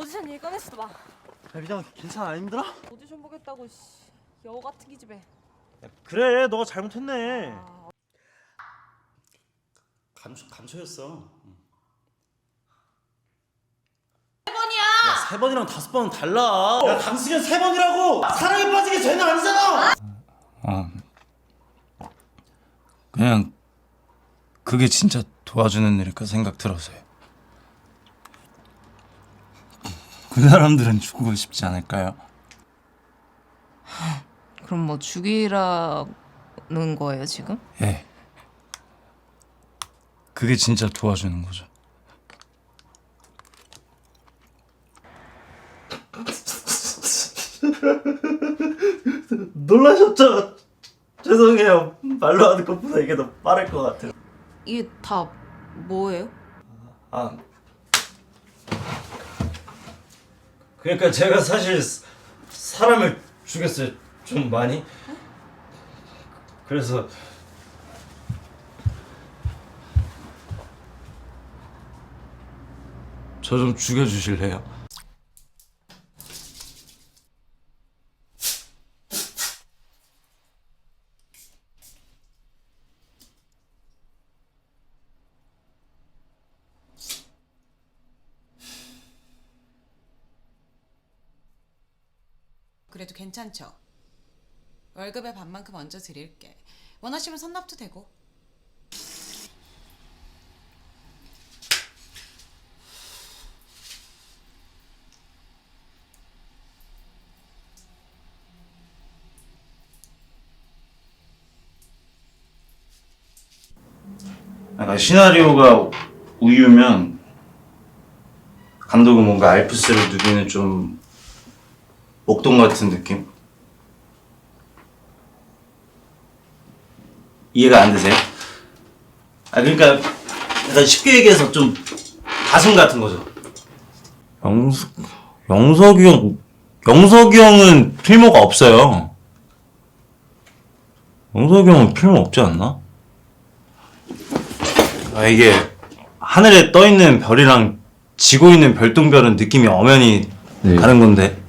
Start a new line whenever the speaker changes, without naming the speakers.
오디션 얘기 꺼냈어 봐.
야 미장 괜찮아? 안 힘들어?
오디션 보겠다고 여우 같은 기집애.
야, 그래 너가 잘못했네.
감초였어.
세 번이야.
야, 3번이랑 5번은 달라. 야, 강수현 3번이라고! 사랑에 빠지게 죄는 아니잖아!
그냥 그게 진짜 도와주는 일일까 생각 들어서요. 그 사람들은 죽고 싶지 않을까요?
그럼 뭐 죽이라는 거예요 지금?
예. 그게 진짜 도와주는 거죠.
놀라셨죠? 죄송해요. 말로 하는 것보다 이게 더 빠를 것 같아요.
이게 다 뭐예요?
아, 그러니까 제가 사실 사람을 죽였어요. 좀 많이. 그래서 저 좀 죽여주실래요?
그래도 괜찮죠? 월급의 반만큼 얹어 드릴게. 원하시면 선납도 되고.
약간 시나리오가 우유면 감독은 뭔가 알프스를 누비는 좀 목동 같은 느낌? 이해가 안 되세요? 아 그러니까 약간 쉽게 얘기해서 좀 가슴 같은 거죠. 영석이 형은 필모가 없어요. 영석이 형은 필모 없지 않나? 아 이게 하늘에 떠 있는 별이랑 지고 있는 별똥별은 느낌이 엄연히 다른 건데.